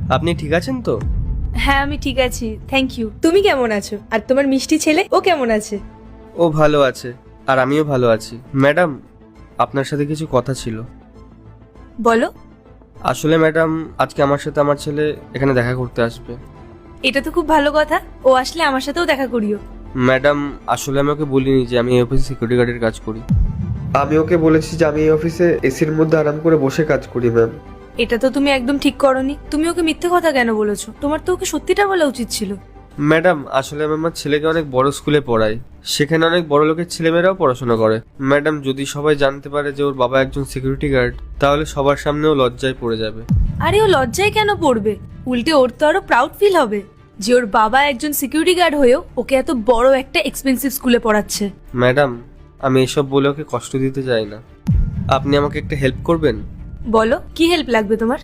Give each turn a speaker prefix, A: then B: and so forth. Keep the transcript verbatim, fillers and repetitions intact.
A: আপনি ঠিক আছেন তো?
B: হ্যাঁ আমি ঠিক আছি, থ্যাংক ইউ। তুমি কেমন আছো? আর তোমার মিষ্টি ছেলে, ও কেমন আছে?
A: ও ভালো আছে, আর আমিও ভালো আছি। ম্যাডাম, আপনার সাথে কিছু কথা ছিল।
B: বলো।
A: আসলে ম্যাডাম, আজকে আমার সাথে আমার ছেলে এখানে দেখা করতে আসবে।
B: এটা তো খুব ভালো কথা, ও আসলে আমার সাথেও দেখা করিও।
A: ম্যাডাম, আসলে আমি ওকে বলিনি যে আমি এই অফিসে সিকিউরিটি গার্ডের কাজ করি। আমি ওকে বলেছি যে আমি এই অফিসে এসির মধ্যে আরাম করে বসে কাজ করি ম্যাম।
B: এটা তো তুমি একদম ঠিক করনি। তুমি ওকে মিথ্যে কথা কেন বলেছো? তোমার তো ওকে সত্যিটা বলা উচিত ছিল।
A: ম্যাডাম, আসলে আমি আমার ছেলেকে অনেক বড় স্কুলে পড়াই, সেখানে অনেক বড় লোকের ছেলেমেয়েরাও পড়াশোনা করে। ম্যাডাম, যদি সবাই জানতে পারে যে ওর বাবা একজন সিকিউরিটি গার্ড, তাহলে সবার সামনেও লজ্জায় পড়ে যাবে।
B: আরে ও লজ্জায় কেন পড়বে? উল্টে ওর তো আরো প্রাউড ফিল হবে যে ওর বাবা একজন সিকিউরিটি গার্ড হয়েও ওকে এত বড় একটা এক্সপেন্সিভ স্কুলে পড়াচ্ছে।
A: ম্যাডাম, আমি এসব বলে ওকে কষ্ট দিতে চাই না। আপনি আমাকে একটা হেল্প করবেন?
B: বলো, কি হেল্প লাগবে তোমার?